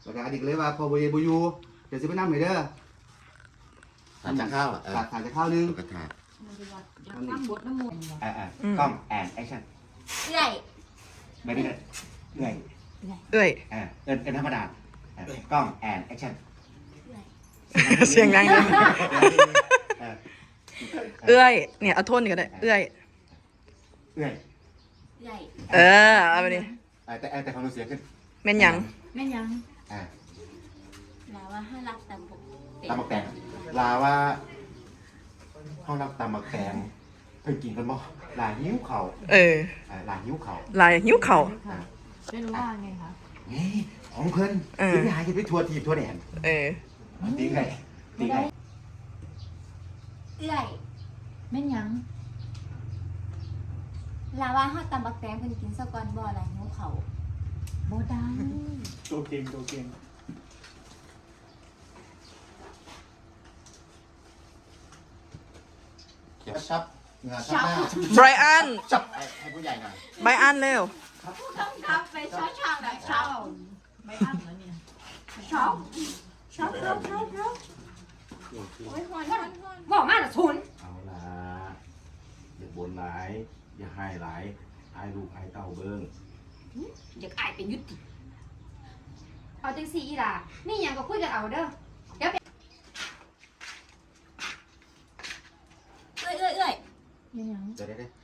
แล้วก็อดีตเลยว่าพอบ่เยบ่อยู่เดี๋ยวสิไปนำให้เด้อถาดจากข้าวอ่ะถาดจะข้าวนึงกระถาดน้ำบดน้ำมูกกล้องแอนแอคชั่นใหญ่ไม่ได้เหนื่อยเอ้ยเอินธรรมดา กล้องแอนแอคชั่นเสียงดังเลยเอ้ยเนี่ยเอาโทษนี่ก็ได้เอ้ยเหนื่อยใหญ่เอาไปดิแต่ความรู้เสียขึ้นแม่นหยังแม่ยังอ่าแล้วว่าให้รักแต่ผมตำบักแตงลาว่าห้องรับตำบักแตงเพิ่งกินกันบ่ลาหิ้วเข่า ลาหิ้วเข่าลายหิ้วเข่าไม่รู้ว่าไงคะนี่ของเพิ่นกินไปหากินไปทัวร์ทีทัวร์แดนตีไงตีไงใหญ่แม่ยังลาว่าให้ตำบักแตงเป็นกินสกอนบ่อะไรหิวเขาบ่ได้ตัวเก่งตัวเก่งเขียวชับเหงื่อชับหน้าไบรอันชับให้ผู้ใหญ่หน่อยไบรอันเร็วต้องรับไปช้อช่างแบบช้าไม่อั้นแล้วเนี่ยช้อโอ้ยหอนบอกมาละชุนเอาละอย่าบ่นหลายอย่าให้หลายอายลูกอายเต้าเบิ้งอยากอายเป็นยุติเอาจังสีอีหล่ะนี่ยังก็คุยกันเอาเด้อเดี๋ยวเอ้ยเดี๋ยว